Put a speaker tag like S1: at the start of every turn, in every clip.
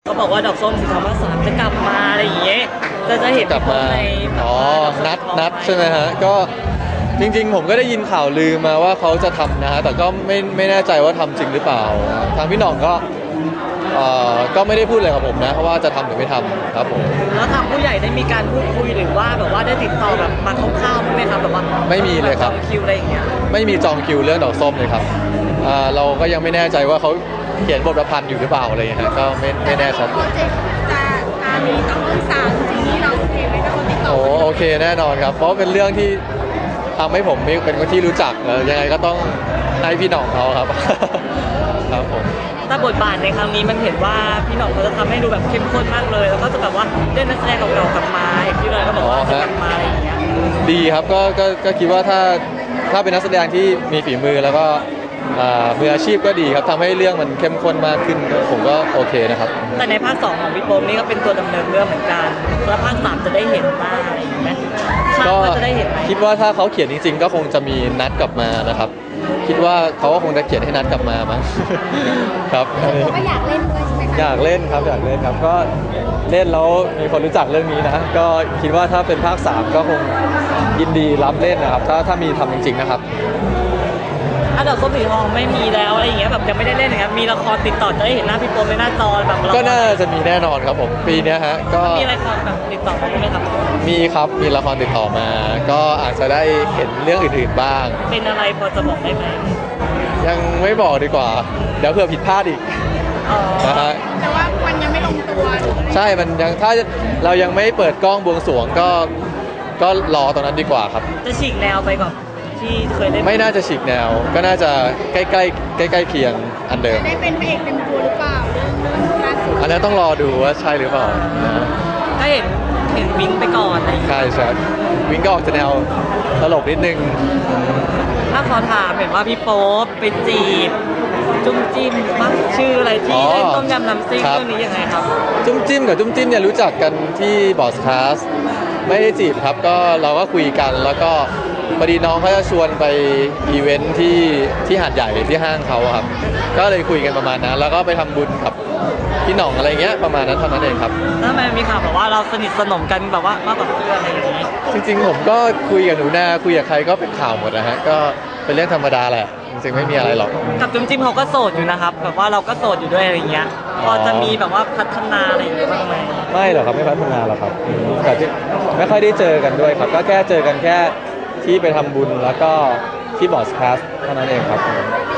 S1: เขาบอกว่าดอกส้มสีทองภาคสามจะกลับมาอะไรอย่างเงี้ยจะเห็น
S2: กลับมา
S1: ใน
S2: นัดใช่ไหมฮะก็จริงๆผมก็ได้ยินข่าวลือมาว่าเขาจะทำนะฮะแต่ก็ไม่แน่ใจว่าทำจริงหรือเปล่าทางพี่หน่องก็ไม่ได้พูดอะไรกับผมนะเพราะว่าจะทำหรือไม่ทำครับผม
S1: แล้วทางผู้ใหญ่ได้มีการพูดคุยหรือว่าแบบว่าได้ติดต่อแบบมาคร่าวๆไหมครับแบบว่า
S2: ไม่มีเลยครับ
S1: จองคิวอะไรอย่างเงี้ย
S2: ไม่มีจองคิวเรื่องดอกส้มเลยครับเราก็ยังไม่แน่ใจว่าเขาเขียนบทประพันธ์อยู่หรือเปล่าอะไรอย่างเงี้ยก็ไม่แน่ชัด
S3: โปรเจกต์จะมีต้องสามจริงๆเราโอเคไหมถ้าคนติดต่อ
S2: โอเคแน่นอนครับเพราะเป็นเรื่องที่ทำให้ผมเป็นคนที่รู้จักยังไงก็ต้องให้พี่หน่องเขาครับครับผม
S1: แต่บทบาทในครั้งนี้มันเห็นว่าพี่หน่องเขาจะทำให้ดูแบบเข้มข้นมากเลยแล้วก็จะแบบว่าเล่นนักแสดงเก่าๆกลับมาอย่างที่เลยก็บอกว่าจะกลับมาอะไรอย่างเงี้ย
S2: ดีครับก็คิดว่าถ้าเป็นนักแสดงที่มีฝีมือแล้วก็มืออาชีพก็ดีครับทำให้เรื่องมันเข้มข้นมากขึ้นผมก็โอเคนะครับ
S1: แต่ในภาค2ของพี่โป๊มนี่ก็เป็นตัวดำเนินเรื่องเหมือนกันแล้วภาค3จะได้เห็นบ้างอะไรอย่างเงี้ยก็จะได้เห็นไหม
S2: คิดว่าถ้าเขาเขียนจริงๆก็คงจะมีนัดกลับมานะครับคิดว่าเขาก็คงจะเขียนให้นัดกลับมามั้งครับ
S3: ก็อยากเล่นด้วยใช่ไหมคะ
S2: อยากเล่นครับก็เล่นแล้วมีคนรู้จักเรื่องนี้นะก็คิดว่าถ้าเป็นภาค3ก็คงยินดีรับเล่นนะครับถ้ามีทำจริงๆนะครับ
S1: ดอกส้มสีทองไม่มีแล้วอะไรอย่างเงี้ยแบบยังไม่ได้เล่นนะครับมีละครติดต่อจะได้เห็นหน้าพี่โป๊มในหน้าจอแบบ
S2: ก็น่าจะมีแน่นอนครับผมปีนี้ฮะก็
S1: มีละครแบบติดต่อมาไหมครับ
S2: มีครับมีละครติดต่อมาก็อาจจะได้เห็นเรื่องอื่นๆบ้าง
S1: เป็นอะไรพอจะบอกได้ไหม
S2: ยังไม่บอกดีกว่าเดี๋ยวเผื่อผิดพลาดอีก
S3: นะฮะแต่ว่ามันยังไม่ลงตัว
S2: ใช่มันยังถ้าเรายังไม่เปิดกล้องบวงสรวงก็รอตรงนั้นดีกว่าครับ
S1: จะฉีกแนวไปกับที่เคยเล่น
S2: ไม่น่าจะฉีกแนวก็น่าจะใกล้เคียงอันเดิม
S3: ได้เป็นพระเอกเต็มตัวหรือเปล่าเรื่องล่าสุด
S2: อันนี้ต้องรอดูว่าใช่หรือเปล่า
S1: ถ้าเห็นวิ่งไปก่อน
S2: ใช่วิ่งก็ออกจะแนวตลกนิดนึง
S1: ถ้าขอถามเห็นว่าพี่โป๊ปไปจีบจุ้มจิ้มมั้งชื่ออะไรที่เล่นต้มยำน้ำซิ่งเรื่องนี้ยังไงครับ
S2: จุ้มจิ้มกับจุ้มจิ้มเนี่ยรู้จักกันที่บอสคลาสไม่ได้จีบครับก็เราก็คุยกันแล้วก็พอดีน้องเขาจะชวนไปอีเวนท์ที่หาดใหญ่ที่ห้างเขาครับก็เลยคุยกันประมาณนั้นแล้วก็ไปทำบุญกับพี่หน่องอะไรเงี้ยประมาณนั้นเท่านั้นเองครับ
S1: แล้วทำไมมีข่าวแบบว่าเราสนิทสนมกันแบบว่ามากกว่าเพื่อนอะไรอย่างนี้
S2: จริงๆผมก็คุยกับหนูนาคุยกับใครก็เป็นข่าวหมดนะฮะก็เป็นเรื่องธรรมดาแหละจริงๆไม่มีอะไรหรอก
S1: กับจุ้มจิ้มเขาก็โสดอยู่นะครับแบบว่าเราก็โสดอยู่ด้วยอะไรเงี้ยพอจะมีแบบว่าพัฒนาอะไรอย่างเงี้ยบ้างไหม
S2: ไม่หรอกครับไม่พัฒนาหรอกครับแต่ไม่ค่อยได้เจอกันด้วยครับก็แค่เจอกันแค่ที่ไปทำบุญแล้วก็ที่บอสคลาสเท่านั้นเองครับ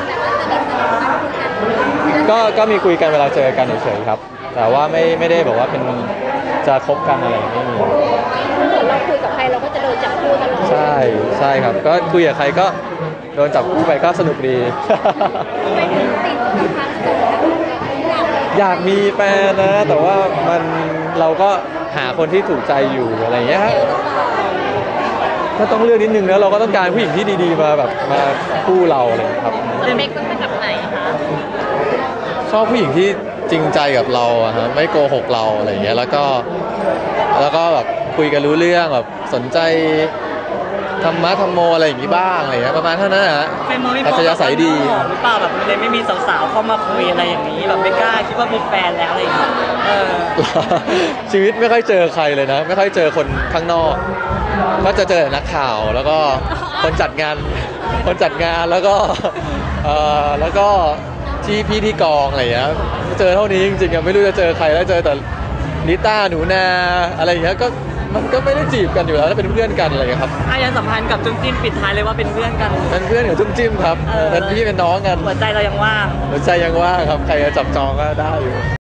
S2: ก็มีคุยกันเวลาเจอกันเฉยๆครับแต่ว่าไม่ได้บอกว่าเป็นจะคบกันอะไรไม่มี
S3: เราคุยกับใครเราก็จะโดนจับคู่ตลอด
S2: ใช่ครับก็คุยกับใครก็โดนจับคู่ไปก็สนุกดีอยากมีแฟนนะแต่ว่าเราก็หาคนที่ถูกใจอยู่อะไรอย่างเงี้ยก็ต้องเลือกนิดนึงแล้วเราก็ต้องการผู้หญิงที่ดีๆมาคู่เราอะไรครับ
S3: จะเมคเป็นแบบไหนคะ
S2: ชอบผู้หญิงที่จริงใจกับเราอะฮะไม่โกหกเราอะไรอย่างเงี้ยแล้วก็แบบคุยกันรู้เรื่องแบบสนใจธรรมะธรรมโมอะไรอย่างงี้บ้างอะไรอย่างเงี้ยประมาณเท่านั้นฮะอาจจะใสดี
S1: หรือเปล่าแบบเลยไม่มีสาวๆเข้ามาคุยอะไรอย่างนี้แบบไม่กล้าคิดว่ามีแฟนแล้วอะไรอย่างเงี้ย
S2: ชีวิตไม่ค่อยเจอใครเลยนะไม่ค่อยเจอคนข้างนอกก็จะเจอนักข่าวแล้วก็คนจัดงานแล้วก็ที่กองอะไรอย่างเงี้ยเจอเท่านี้จริงๆไม่รู้จะเจอใครแล้วเจอแต่นิต้าหนูนาอะไรอย่างเงี้ยก็มันก็ไม่ได้จีบกันอยู่แล้วถ้าเป็นเพื่อนกันอะไรอย่างเงี้ยครับ
S1: ยังสัมพันธ์กับจุ้มจิ้มปิดท้ายเลยว่าเป็นเพื่อนกัน
S2: เป็นเพื่อนกับจุ้มจิ้มครับเป็นพี่เป็นน้องกัน
S1: หัวใจเรายังว่าง
S2: ครับใครจะจับจองก็ได้อยู่